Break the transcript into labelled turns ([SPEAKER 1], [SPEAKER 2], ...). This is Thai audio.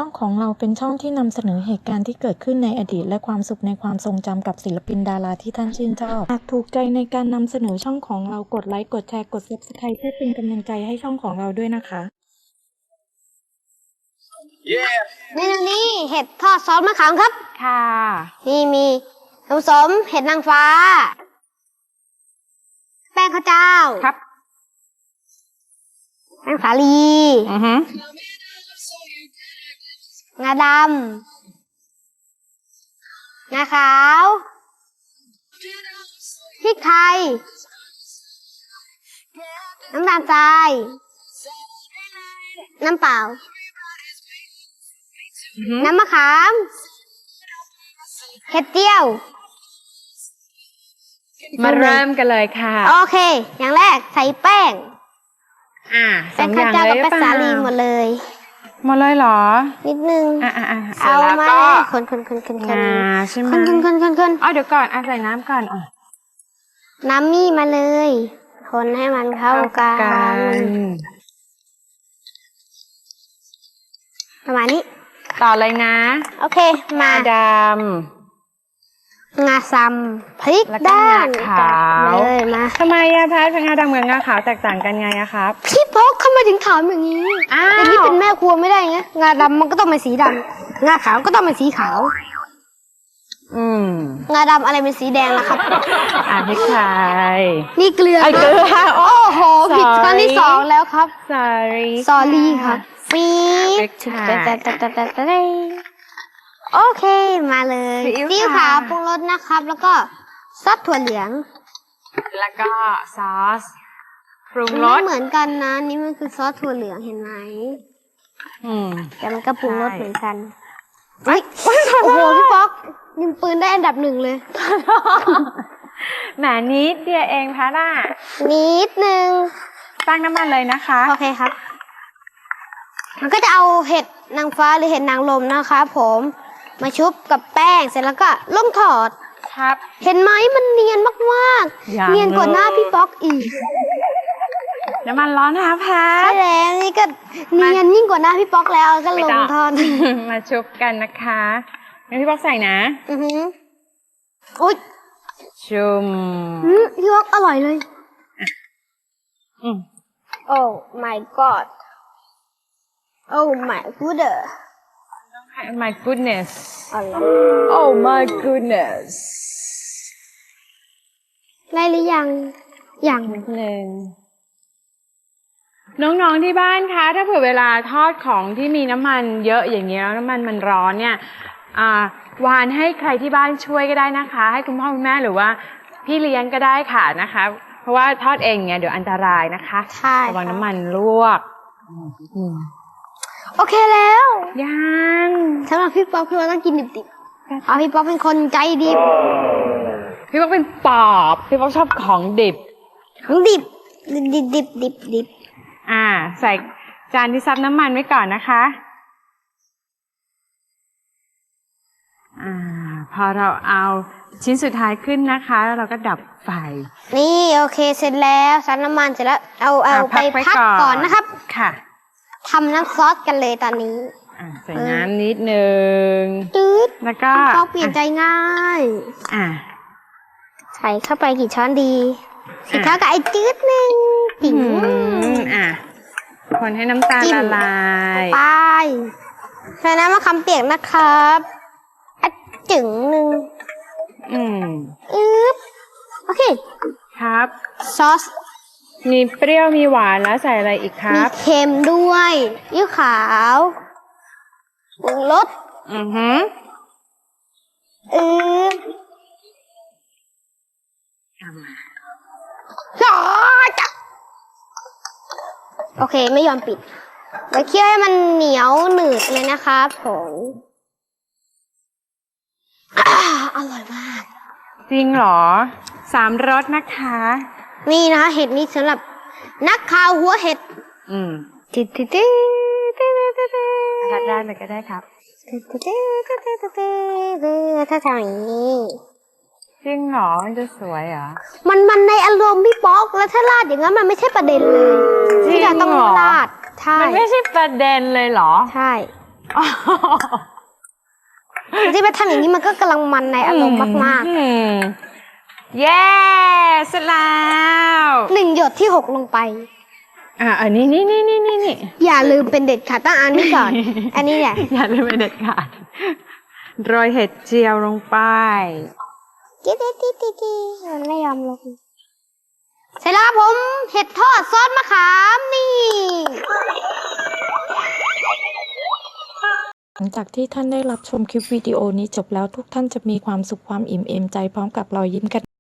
[SPEAKER 1] องของเราเป็นช่องที่นำเสนอเหตุการณ์ที่เกิดขึ้นในอดีตและความสุขในความทรงจำกับศิลปินดาราที่ท่านชื่นชอบหากถูกใจในการนำเสนอช่องของเรากดไลค์กดแชร์กด Subscribe เพื่อเป็นกำลังใจให้ช่องของเราด้วยนะคะ
[SPEAKER 2] เมนูนี้เห็ดทอดซอสมะขามครับ
[SPEAKER 3] ค่ะ
[SPEAKER 2] นี่มีน้ำสมเห็ดนางฟ้า แป้งข้าวเจ้า
[SPEAKER 3] ครับ
[SPEAKER 2] แป้งสาลี
[SPEAKER 3] อือฮึ
[SPEAKER 2] งาดำ งาขาวพริกไทย น้ำตาลทราย น้ำเปล่า น้ำมะขาม เห็ดเจียว
[SPEAKER 3] มาเริ่มกันเลยค่ะ
[SPEAKER 2] โอเค อย่างแรกใส่แป้ง
[SPEAKER 3] สอ
[SPEAKER 2] แป้
[SPEAKER 3] ง
[SPEAKER 2] ง
[SPEAKER 3] อ
[SPEAKER 2] ข้าว
[SPEAKER 3] ย่าง
[SPEAKER 2] เจ้า
[SPEAKER 3] เลย
[SPEAKER 2] กับ
[SPEAKER 3] หรือ
[SPEAKER 2] แป้ง
[SPEAKER 3] เป
[SPEAKER 2] สา
[SPEAKER 3] ล่า
[SPEAKER 2] ลีหมดเลย
[SPEAKER 3] หมดเลยเหรอ
[SPEAKER 2] นิดนึง
[SPEAKER 3] เสร็จ
[SPEAKER 2] เอา
[SPEAKER 3] แล้ว
[SPEAKER 2] มา
[SPEAKER 3] ก็
[SPEAKER 2] คน
[SPEAKER 3] ง
[SPEAKER 2] ๆๆๆ
[SPEAKER 3] าใช่ไหม
[SPEAKER 2] คน
[SPEAKER 3] อ๋อเดี๋ยวก่อนใส่น้ำก่อน
[SPEAKER 2] น้ำมี่มาเลย คนให้มันเข้ากัน ประมาณนี้
[SPEAKER 3] ต่อเลยนะ
[SPEAKER 2] โอเค มา
[SPEAKER 3] ด
[SPEAKER 2] งาซัมพริก
[SPEAKER 3] แล้วก็
[SPEAKER 2] ด้าน
[SPEAKER 3] งาขาว
[SPEAKER 2] เลยมา
[SPEAKER 3] ำทำไมอะแพทย์งาดำกับงาขาวแตกต่างกันไงอะครับ
[SPEAKER 2] พี่พกเข้ามาถึงถามอย่างนี้
[SPEAKER 3] อ้าว
[SPEAKER 2] อย่างนี้เป็นแม่ครัวไม่ได้ไงงาดำมันก็ต้องเป็นสีดำงาขาวก็ต้องเป็นสีขาว งาดำอะไรเป็นสีแดงล่ะครับ
[SPEAKER 3] พริกไทย
[SPEAKER 2] นี่เกลือ
[SPEAKER 3] เกลือ
[SPEAKER 2] โอ้โหผิดครั้งที่
[SPEAKER 3] Sorry
[SPEAKER 2] สองแล้วครับ
[SPEAKER 3] sorry
[SPEAKER 2] สอรี่ครับฟี
[SPEAKER 3] พริกไทย
[SPEAKER 2] โอเคมาเลย
[SPEAKER 3] ซีอิ๊ว
[SPEAKER 2] ซีอิ๊ว
[SPEAKER 3] ขา
[SPEAKER 2] ขาว วปรุงรสนะครับ แล้วก็ซอสถั่วเหลือง
[SPEAKER 3] แล้วก็ซอสปรุงร
[SPEAKER 2] ไม่
[SPEAKER 3] ส
[SPEAKER 2] เหมือนกันนะ นี่มันคือซอสถั่วเหลืองเห็นไหม แต่มันก็ปรุงรส
[SPEAKER 3] ใช่
[SPEAKER 2] เหมือนกันเฮ้ยโอ้โหพี่ป๊อกยิงปืนได้อันดับหนึ่งเลย
[SPEAKER 3] แหมนิดเดียวเองพะน่ะ
[SPEAKER 2] นิดนึง
[SPEAKER 3] ตั้งน้ำมันเลยนะคะ
[SPEAKER 2] โอเคครับ มันก็จะเอาเห็ดนางฟ้าหรือเห็ดนางรมนะครับผมมาชุบกับแป้งเสร็จแล้วก็ลงถอด
[SPEAKER 3] ครับ
[SPEAKER 2] เห็นไหมมันเนียนมาก
[SPEAKER 3] ยัง
[SPEAKER 2] ๆ เนียนกว่าหน้าพี่ป๊อกอีก
[SPEAKER 3] น้ำมันร้อนนะคะแพ
[SPEAKER 2] ใช่
[SPEAKER 3] ท
[SPEAKER 2] แล้วนี่ก็เนียนยิ่งกว่าหน้าพี่ป๊อกแล้วก็ลงทอด
[SPEAKER 3] มาชุบกันนะคะงั้นพี่บอกใส่นะ
[SPEAKER 2] อือหืออุ๊ย
[SPEAKER 3] ชุม
[SPEAKER 2] พี่ป๊อกอร่อยเลย
[SPEAKER 3] อืม
[SPEAKER 2] โอ้ my god โอ้ my god
[SPEAKER 3] my goodness
[SPEAKER 2] อะไร
[SPEAKER 3] oh my goodness
[SPEAKER 2] ได้หรือยังยัง
[SPEAKER 3] นิดนึงน้องๆที่บ้านคะถ้าเผื่อเวลาทอดของที่มีน้ำมันเยอะอย่างนี้แล้วน้ำมันร้อนเนี่ยวานให้ใครที่บ้านช่วยก็ได้นะคะ ให้คุณพ่อคุณแม่หรือว่าพี่เลี้ยงก็ได้ค่ะนะคะ เพราะว่าทอดเองเนี่ยเดี๋ยวอันตรายนะคะ
[SPEAKER 2] ใช่
[SPEAKER 3] ระวังน้ำมันลวก
[SPEAKER 2] โอเคแล้ว
[SPEAKER 3] ยัง
[SPEAKER 2] สำหรับพี่ป๊อกพี่ป๊อกต้องกินดิบๆเอาพี่ป๊อกเป็นคนใจดิบ
[SPEAKER 3] พี่บอกเป็นปอบพี่บอกชอบของดิบ
[SPEAKER 2] ของดิบดิบ
[SPEAKER 3] ใส่จานที่ซับน้ำมันไว้ก่อนนะคะพอเราเอาชิ้นสุดท้ายขึ้นนะคะแล้วเราก็ดับไฟ
[SPEAKER 2] นี่โอเคเสร็จแล้วซับน้ำมันเสร็จแล้วเอาไป
[SPEAKER 3] ไว้
[SPEAKER 2] พักก่อนนะครับ
[SPEAKER 3] ค่ะ
[SPEAKER 2] ทำน้ำซอสกันเลยตอนนี้
[SPEAKER 3] ใส่น้ำนิดนึง
[SPEAKER 2] ตืด
[SPEAKER 3] แล้วก็
[SPEAKER 2] พี่ป๊อกเปลี่ยนใจง่าย ใส่เข้าไปกี่ช้อนดีสีเท่ากับไอ้จืดนึงติ๋ง
[SPEAKER 3] คนให้น้ำตาล
[SPEAKER 2] จิ้ม
[SPEAKER 3] ละลาย
[SPEAKER 2] ไปใส่น้ำมะขามเปียกนะครับอ่ะจึงหนึ่งโอเค
[SPEAKER 3] ครับ
[SPEAKER 2] ซอส
[SPEAKER 3] มีเปรี้ยวมีหวานแล้วใส่อะไรอีกค
[SPEAKER 2] มี
[SPEAKER 3] รับ
[SPEAKER 2] เค็มด้วยยิ้วขาวปรุงรสโอเคไม่ยอมปิดไว้เคี่ยวให้มันเหนียวหนืดเลยนะครับผมอร่อยมาก
[SPEAKER 3] จริงเหรอ3 รสนะคะ
[SPEAKER 2] นี่นะคะเห็ดนี้สำหรับนักข่าวหัวเห็ด
[SPEAKER 3] รัดได้เลยก็ได้ครับ
[SPEAKER 2] ถ้าทำอย่างนี้
[SPEAKER 3] จริงเหรอมันจะสวยเหรอ
[SPEAKER 2] มันในอารมณ์พี่ป๊อกแล้วถ้าราดอย่างนั้นมันไม่ใช่ประเด็นเลย
[SPEAKER 3] จริง
[SPEAKER 2] ที่จะต้อง
[SPEAKER 3] เหรอ
[SPEAKER 2] ราดใช่
[SPEAKER 3] มันไม่ใช่ประเด็นเลยเหรอ
[SPEAKER 2] ใช่ที่ไปทำอย่างนี้มันก็กำลังมันในอารมณ์มาก
[SPEAKER 3] อืมเย้เสร็จแล้ว
[SPEAKER 2] ๆ1 หยดที่หกลงไป
[SPEAKER 3] อันนี้นี่
[SPEAKER 2] อย่าลืมเป็นเด็ดขาดต้องอันนี้ก่อน อันนี้เนี่ย
[SPEAKER 3] อย่าลืมเป็นเด็ดขาดโรยเห็ดเจียวลงไป
[SPEAKER 2] กิ๊ดมันไม่ยอมลงเสร็จแล้วครับผมเห็ดทอดซอสมะขามนี่
[SPEAKER 1] หลังจากที่ท่านได้รับชมคลิปวิดีโอนี้จบแล้วทุกท่านจะมีความสุขความอิ่มเอมใจพร้อมกับรอยยิ้มกัน